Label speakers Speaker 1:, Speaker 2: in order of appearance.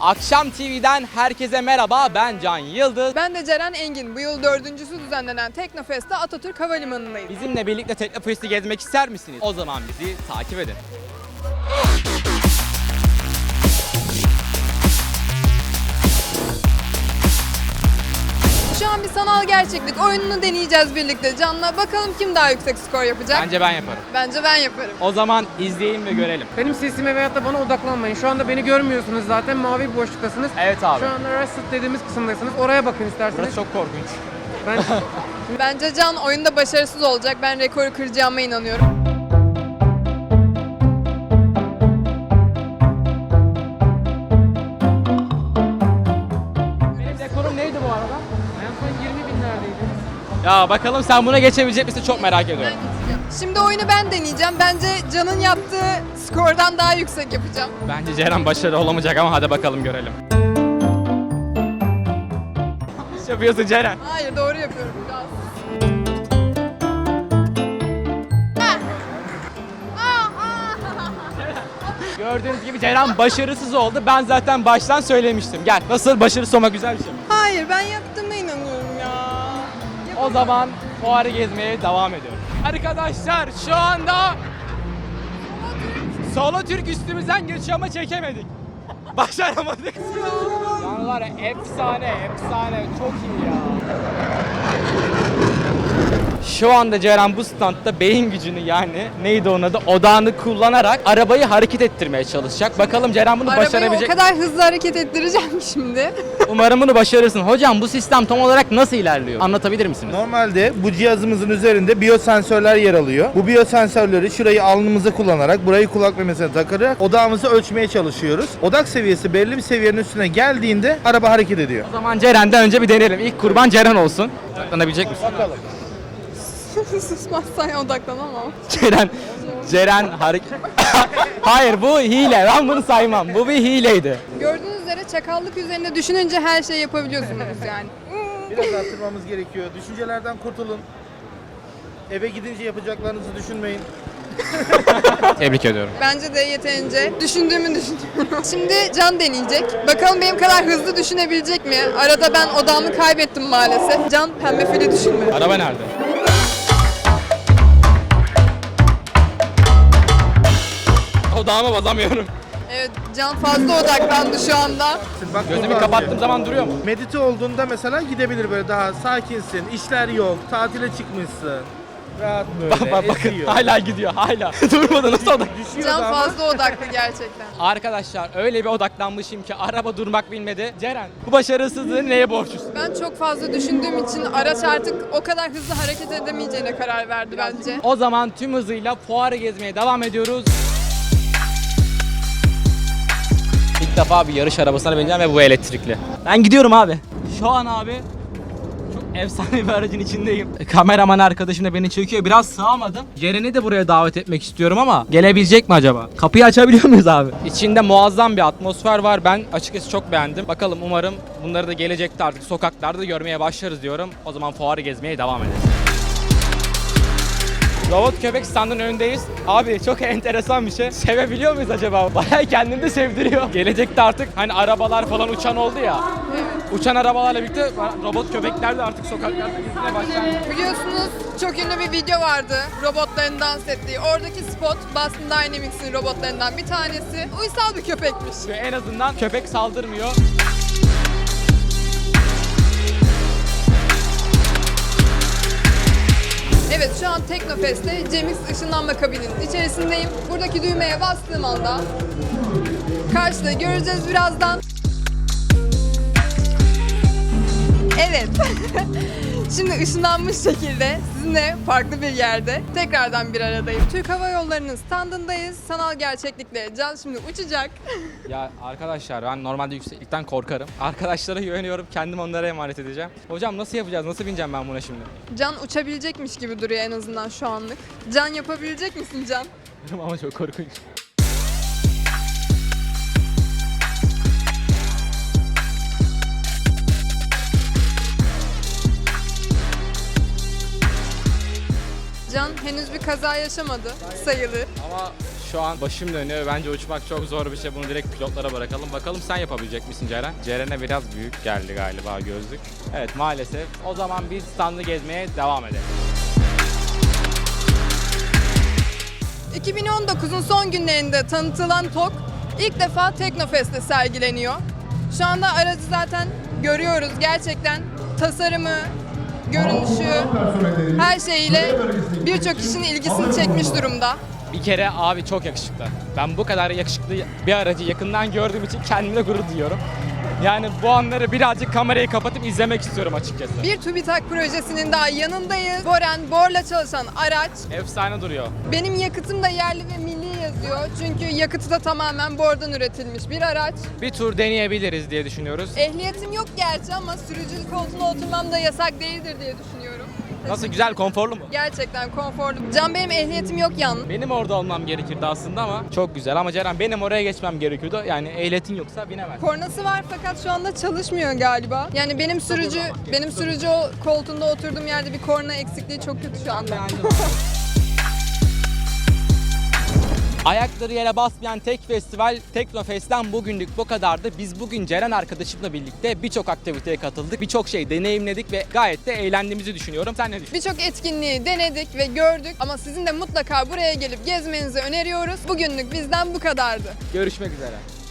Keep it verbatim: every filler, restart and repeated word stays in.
Speaker 1: Akşam T V'den herkese merhaba, ben Can Yıldız.
Speaker 2: Ben de Ceren Engin. Bu yıl dördüncüsü düzenlenen Teknofest'te Atatürk Havalimanı'ndayız.
Speaker 1: Bizimle birlikte Teknofest'i gezmek ister misiniz? O zaman bizi takip edin.
Speaker 2: Şu an bir sanal gerçeklik oyununu deneyeceğiz birlikte Can'la. Bakalım kim daha yüksek skor yapacak?
Speaker 1: Bence ben yaparım.
Speaker 2: Bence ben yaparım.
Speaker 1: O zaman izleyin ve görelim.
Speaker 3: Benim sesime veyahut da bana odaklanmayın. Şu anda beni görmüyorsunuz zaten. Mavi bir boşluktasınız.
Speaker 1: Evet abi.
Speaker 3: Şu anda Rusted dediğimiz kısımdasınız. Oraya bakın isterseniz.
Speaker 1: Burası çok korkunç.
Speaker 3: Ben
Speaker 2: Bence Can oyunda başarısız olacak. Ben rekoru kıracağıma inanıyorum.
Speaker 1: Benim rekorum neydi bu arada?
Speaker 3: en son yirmi binlerdeydim.
Speaker 1: Ya bakalım sen buna geçebilecek misin, çok merak ediyorum.
Speaker 2: Şimdi oyunu ben deneyeceğim. Bence Can'ın yaptığı skordan daha yüksek yapacağım.
Speaker 1: Bence Ceren başarılı olamayacak ama hadi bakalım görelim. İş yapıyorsun Ceren.
Speaker 2: Hayır, doğru yapıyorum biraz.
Speaker 1: Gördüğünüz gibi Ceren başarısız oldu. Ben zaten baştan söylemiştim. Gel. Nasıl, başarısız olmak güzel bir şey mi?
Speaker 2: Hayır, ben yaptığıma inanıyorum ya.
Speaker 1: O zaman fuarı gezmeye devam ediyoruz. Arkadaşlar şu anda Solo Türk üstümüzden geçiyor ama çekemedik. Başaramadık. Yani var ya, efsane, efsane, çok iyi ya. Şu anda Ceren bu standta beyin gücünü, yani neydi onun adı, odağını kullanarak arabayı hareket ettirmeye çalışacak. Bakalım Ceren bunu
Speaker 2: Arabayı
Speaker 1: başarabilecek
Speaker 2: o kadar hızlı hareket ettireceğim ki şimdi.
Speaker 1: Umarım bunu başarırsın. Hocam bu sistem tam olarak nasıl ilerliyor? Anlatabilir misiniz?
Speaker 4: Normalde bu cihazımızın üzerinde biyosensörler yer alıyor. Bu biyosensörleri şurayı alnımıza kullanarak, burayı kulak memesine takarak odağımızı ölçmeye çalışıyoruz. Odak seviyesi belli bir seviyenin üstüne geldiğinde araba hareket ediyor.
Speaker 1: O zaman Ceren'den önce bir deneyelim. İlk kurban Ceren olsun. Odaklanabilecek misin?
Speaker 4: Bakalım.
Speaker 2: Susmazsan odaklanamam.
Speaker 1: Ceren, Ceren hareket... Hayır, bu hile. Ben bunu saymam. Bu bir hileydi.
Speaker 2: Gördüğünüz üzere çakallık üzerinde düşününce her şeyi yapabiliyorsunuz yani.
Speaker 4: Biraz arttırmamız gerekiyor. Düşüncelerden kurtulun. Eve gidince yapacaklarınızı düşünmeyin.
Speaker 1: Tebrik ediyorum.
Speaker 2: Bence de yeterince düşündüğümü düşünüyorum. Şimdi Can deneyecek. Bakalım benim kadar hızlı düşünebilecek mi? Arada ben odağımı kaybettim maalesef. Can pembe fili düşünme.
Speaker 1: Araba nerede? Odağıma basamıyorum.
Speaker 2: Evet, Can fazla odaklandı şu anda.
Speaker 4: Bak,
Speaker 1: Gözümü
Speaker 4: burada
Speaker 1: kapattığım
Speaker 4: azıyor.
Speaker 1: zaman duruyor mu?
Speaker 4: Medite olduğunda mesela gidebilir, böyle daha sakinsin, işler yok, tatile çıkmışsın. Rahat böyle
Speaker 1: Bak bak bakın,
Speaker 4: esiyor.
Speaker 1: hala gidiyor, hala. Durmadı, nasıl odak?
Speaker 4: Düşüyor
Speaker 2: Can
Speaker 4: ama
Speaker 2: fazla odaklı gerçekten.
Speaker 1: Arkadaşlar öyle bir odaklanmışım ki araba durmak bilmedi. Ceren, bu başarısızlığı neye borçlusun?
Speaker 2: Ben çok fazla düşündüğüm için araç artık o kadar hızlı hareket edemeyeceğine karar verdi bence.
Speaker 1: O zaman tüm hızıyla fuarı gezmeye devam ediyoruz. İlk defa bir yarış arabasına bineceğim ve bu elektrikli. Ben gidiyorum abi. Şu an abi çok efsane bir aracın içindeyim. Kameraman arkadaşım da beni çekiyor. Biraz sığamadım. Ceren'i de buraya davet etmek istiyorum ama gelebilecek mi acaba? Kapıyı açabiliyor muyuz abi? İçinde muazzam bir atmosfer var. Ben açıkçası çok beğendim. Bakalım, umarım bunları da gelecekte artık sokaklarda görmeye başlarız diyorum. O zaman fuarı gezmeye devam edelim. Robot köpek standının önündeyiz. Abi çok enteresan bir şey. Sevebiliyor muyuz acaba? Bayağı kendini de sevdiriyor. Gelecekte artık hani arabalar falan uçan oldu ya. Uçan arabalarla birlikte robot köpekler de artık sokaklarda gezmeye başlar.
Speaker 2: Biliyorsunuz çok ünlü bir video vardı. Robotların dans ettiği. Oradaki spot Boston Dynamics'in robotlarından bir tanesi. Uysal bir köpekmiş.
Speaker 1: Ve en azından köpek saldırmıyor.
Speaker 2: Evet, şu an Teknofest'te Cemix ışınlanma kabininin içerisindeyim. Buradaki düğmeye bastığım anda karşıda göreceğiz birazdan. Evet. Şimdi ışınlanmış şekilde sizinle farklı bir yerde tekrardan bir aradayım. Türk Hava Yolları'nın standındayız. Sanal gerçeklikle Can şimdi uçacak.
Speaker 1: Ya arkadaşlar, ben normalde yükseklikten korkarım. Arkadaşlara güveniyorum. Kendim onlara emanet edeceğim. Hocam nasıl yapacağız? Nasıl bineceğim ben buna şimdi?
Speaker 2: Can uçabilecekmiş gibi duruyor en azından şu anlık. Can yapabilecek misin Can?
Speaker 1: Ama çok korkunç.
Speaker 2: Can henüz bir kaza yaşamadı sayılır.
Speaker 1: Ama şu an başım dönüyor. Bence uçmak çok zor bir şey. Bunu direkt pilotlara bırakalım. Bakalım sen yapabilecek misin Ceren? Ceren'e biraz büyük geldi galiba gözlük. Evet maalesef. O zaman biz standı gezmeye devam edelim.
Speaker 2: iki bin on dokuzun son günlerinde tanıtılan T O K ilk defa Teknofest'te sergileniyor. Şu anda aracı zaten görüyoruz. Gerçekten tasarımı, görünüşü, her şeyiyle birçok kişinin ilgisini çekmiş durumda.
Speaker 1: Bir kere abi çok yakışıklı. Ben bu kadar yakışıklı bir aracı yakından gördüğüm için kendimle gurur duyuyorum. Yani bu anları birazcık kamerayı kapatıp izlemek istiyorum açıkçası.
Speaker 2: Bir TÜBİTAK projesinin daha yanındayız. Boren, Bor'la çalışan araç.
Speaker 1: Efsane duruyor.
Speaker 2: Benim yakıtım da yerli ve milli yazıyor. Çünkü yakıtı da tamamen Bor'dan üretilmiş bir araç.
Speaker 1: Bir tur deneyebiliriz diye düşünüyoruz.
Speaker 2: Ehliyetim yok gerçi ama sürücülük koltuğuna oturmam da yasak değildir diye düşünüyorum.
Speaker 1: Nasıl, güzel, konforlu mu?
Speaker 2: Gerçekten konforlu. Can benim ehliyetim yok yalnız.
Speaker 1: Benim orada olmam gerekirdi aslında ama çok güzel. Ama Ceren benim oraya geçmem gerekiyordu. Yani ehliyetin yoksa binemez.
Speaker 2: Kornası var fakat şu anda çalışmıyor galiba. Yani benim sürücü benim sürücü o koltuğunda oturduğum yerde bir korna eksikliği çok kötü şu anda.
Speaker 1: Ayakları yere basmayan tek festival Teknofest'ten bugünlük bu kadardı. Biz bugün Ceren arkadaşımla birlikte birçok aktiviteye katıldık. Birçok şey deneyimledik ve gayet de eğlendiğimizi düşünüyorum. Sen ne düşünüyorsun?
Speaker 2: Birçok etkinliği denedik ve gördük ama sizin de mutlaka buraya gelip gezmenizi öneriyoruz. Bugünlük bizden bu kadardı.
Speaker 1: Görüşmek üzere.